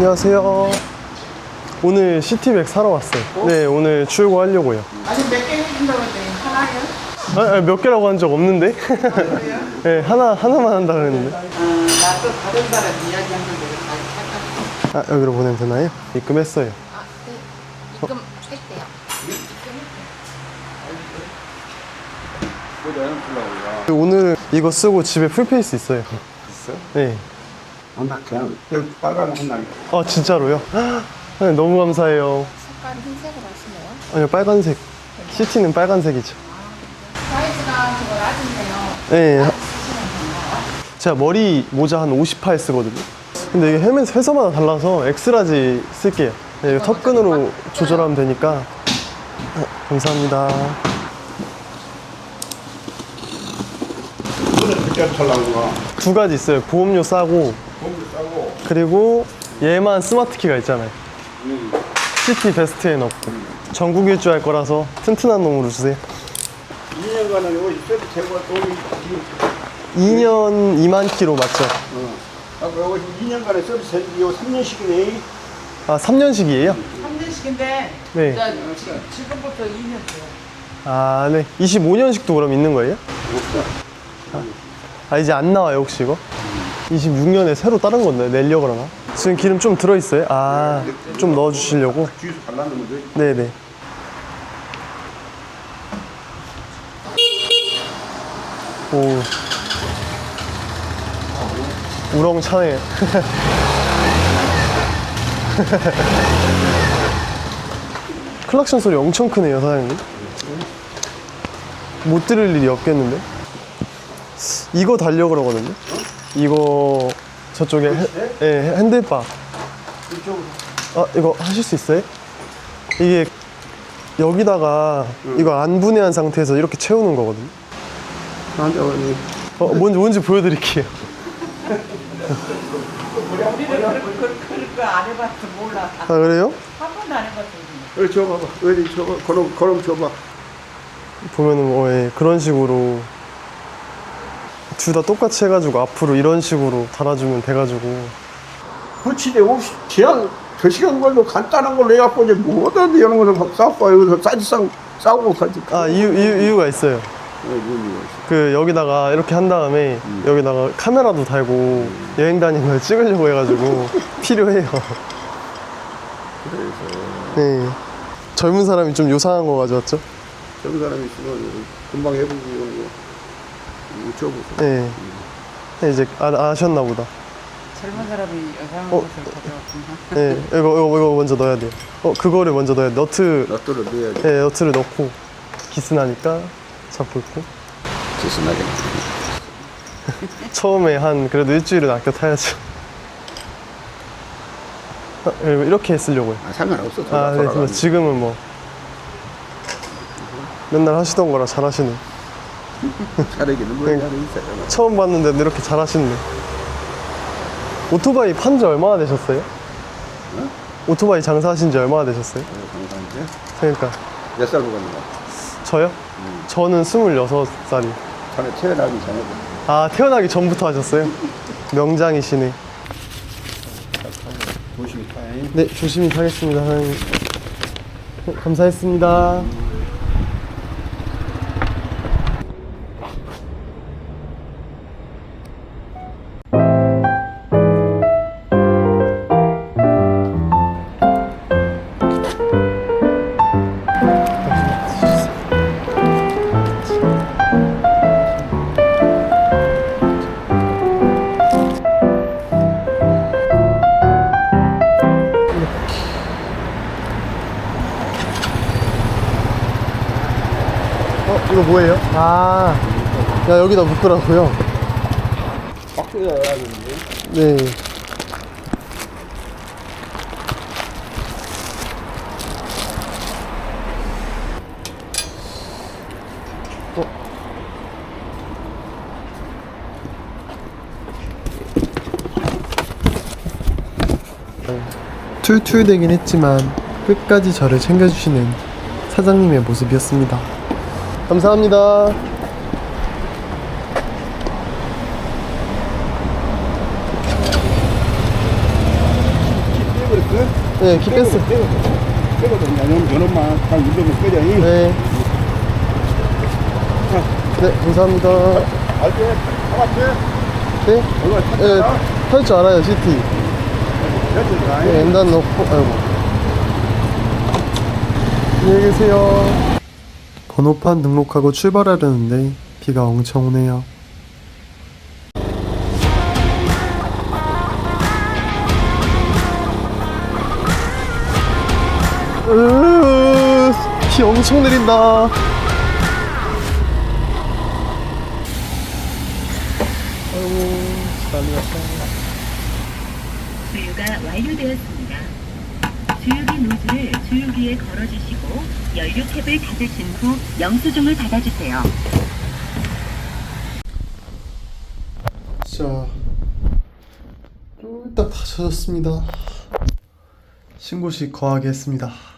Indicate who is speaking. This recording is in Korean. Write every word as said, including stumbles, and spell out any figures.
Speaker 1: 안녕하세요. 오늘 시티백 사러 왔어요. 어? 네, 오늘 출고하려고요.
Speaker 2: 아니 몇 개 해준다고 했더니 하나요?
Speaker 1: 아, 몇 개라고 한 적 없는데?
Speaker 2: 아, 그래요?
Speaker 1: 네, 하나, 하나만 한다 그랬는데.
Speaker 2: 아, 나 또 다른 사람 이야기한 걸 내가 다 착각했어.
Speaker 1: 아, 여기로 보내면 되나요? 입금했어요.
Speaker 3: 아, 네. 입금했대요.
Speaker 1: 오늘은 이거 쓰고 집에 풀페이스 있어요.
Speaker 4: 있어요?
Speaker 1: 네.
Speaker 4: 아, 나 그냥 여기 빨간 한날.
Speaker 1: 아, 진짜로요? 네, 너무 감사해요.
Speaker 3: 색깔 흰색으로 하시네요.
Speaker 1: 아니요, 빨간색. 시티는 빨간색이죠.
Speaker 3: 사이즈가 저거 낮은데요.
Speaker 1: 네. 제가 머리 모자 한 오십팔 쓰거든요. 근데 이게 헬멧 회사마다 달라서 엑스라지 쓸게요. 네, 이거 턱끈으로 조절하면 되니까. 아, 감사합니다.
Speaker 4: 오늘 그때 털라고 가.
Speaker 1: 두 가지 있어요. 보험료 싸고,
Speaker 4: 공기 싸고.
Speaker 1: 그리고 얘만 스마트 키가 있잖아요.
Speaker 4: 음.
Speaker 1: 시티 베스트에 넣고. 전국 일주할 거라서 튼튼한 놈으로 주세요.
Speaker 4: 이 년간은 여기 세트 제거 돈이
Speaker 1: 이 년 이만 키로 맞죠?
Speaker 4: 어. 아까 여기 이 년간에 서비스 이거 삼 년씩이네.
Speaker 1: 아, 삼 년씩이에요?
Speaker 2: 삼 년씩인데
Speaker 1: 네.
Speaker 2: 자, 지- 지금부터 이 년 돼요.
Speaker 1: 아, 네. 이십오 년씩도 그럼 있는 거예요?
Speaker 4: 없어.
Speaker 1: 아, 이제 안 나와요, 혹시 이거? 이십육 년에 새로 다른 건데, 내려고 그러나? 지금 기름 좀 들어있어요? 아, 좀 넣어주시려고?
Speaker 4: 주유소 발라놓으면 돼.
Speaker 1: 네네. 오. 우렁차네. 클락션 소리 엄청 크네요, 사장님. 못 들을 일이 없겠는데? 이거 달려고 그러거든요? 이거 저쪽에 핸, 예, 핸들바.
Speaker 4: 이쪽으로.
Speaker 1: 아, 이거 하실 수 있어요? 이게 여기다가 이거 안 분해한 상태에서 이렇게 채우는 거거든요.
Speaker 4: 나한테 오니.
Speaker 1: 어, 뭔지, 뭔지 보여드릴게요.
Speaker 2: 우리는 그런 그런 거안 해봤어 몰라.
Speaker 1: 아, 그래요?
Speaker 2: 한 번도 안 해봤어.
Speaker 4: 여기 줘봐봐. 여기 줘봐. 그럼 그럼 줘봐.
Speaker 1: 보면은 뭐, 예, 그런 식으로 둘 다 똑같이 해가지고 앞으로 이런 식으로 달아주면 돼가지고.
Speaker 4: 붙이대 없이 그냥 두 시간 걸로 간단한 걸로 해갖고 이제 뭐든 이런 거를 싸고 여기서 사실상 싸고 가지.
Speaker 1: 아, 이유, 이유, 이유가 있어요.
Speaker 4: 네, 뭔 이유가 있어?
Speaker 1: 그 여기다가 이렇게 한 다음에 여기다가 카메라도 달고 여행 다니는 걸 찍으려고 해가지고 필요해요.
Speaker 4: 그래서
Speaker 1: 네. 젊은 사람이 좀 요상한 거 가져왔죠?
Speaker 4: 저런 사람이 있으면 금방 해보고 이런 거 이거 줘보세요.
Speaker 1: 네. 네, 이제 아, 아셨나 보다.
Speaker 2: 젊은 사람이 여상한
Speaker 1: 어.
Speaker 2: 것을 가져왔구나.
Speaker 1: 네, 이거, 이거, 이거 먼저 넣어야 돼요. 어, 그거를 먼저 넣어야 돼. 너트,
Speaker 4: 너트를 넣어야지.
Speaker 1: 네, 너트를 넣고 기스나니까 잡고 있고.
Speaker 4: 지스나게.
Speaker 1: 처음에 한 그래도 일주일은 아껴 타야죠. 아, 이렇게 쓰려고요.
Speaker 4: 아, 상관없어.
Speaker 1: 아, 네, 그래서 지금은 뭐 맨날 하시던 거라 잘하시네.
Speaker 4: 차례기는 뭐
Speaker 1: 네.
Speaker 4: 하나 있어요.
Speaker 1: 처음 봤는데 이렇게 잘하시네. 오토바이 판지 얼마나 되셨어요?
Speaker 4: 어?
Speaker 1: 오토바이 장사하신 지 얼마나 되셨어요?
Speaker 4: 감사한데.
Speaker 1: 그러니까
Speaker 4: 몇살 먹었는가?
Speaker 1: 저요? 저는 스물여섯 살이.
Speaker 4: 전에 태어나기 전에.
Speaker 1: 아, 태어나기 전부터 하셨어요? 명장이시네.
Speaker 4: 조심히 타잉.
Speaker 1: 네, 조심히 타겠습니다, 사장님. 네, 감사했습니다. 어, 이거 뭐예요? 아, 야, 여기다 묶으라고요?
Speaker 4: 박스가 나가는데.
Speaker 1: 네. 어. 툴툴대긴 했지만 끝까지 저를 챙겨주시는 사장님의 모습이었습니다. 감사합니다. 네, 키 뺐어요.
Speaker 4: 빼거든. 요놈, 요놈만 딱 눌러면 꺼져. 이.
Speaker 1: 네. 네, 감사합니다.
Speaker 4: 알지? 잡았지?
Speaker 1: 네?
Speaker 4: 얼마
Speaker 1: 네,
Speaker 4: 탔잖아?
Speaker 1: 탈 줄 알아요, 시티.
Speaker 4: 됐지?
Speaker 1: 네, 엔단 넣고, 아이고. 안녕히 계세요. 번호판 등록하고 출발하려는데 비가 엄청 오네요. 으으으, 비 엄청 내린다. 아이고, 난리 났다.
Speaker 5: 주유가 완료되었습니다. 주유기 노즐을 주유기에 걸어주시고 연료 탭을 닫으신 후 영수증을 받아주세요.
Speaker 1: 자, 쫄딱 다 젖었습니다. 신고식 거하게 했습니다.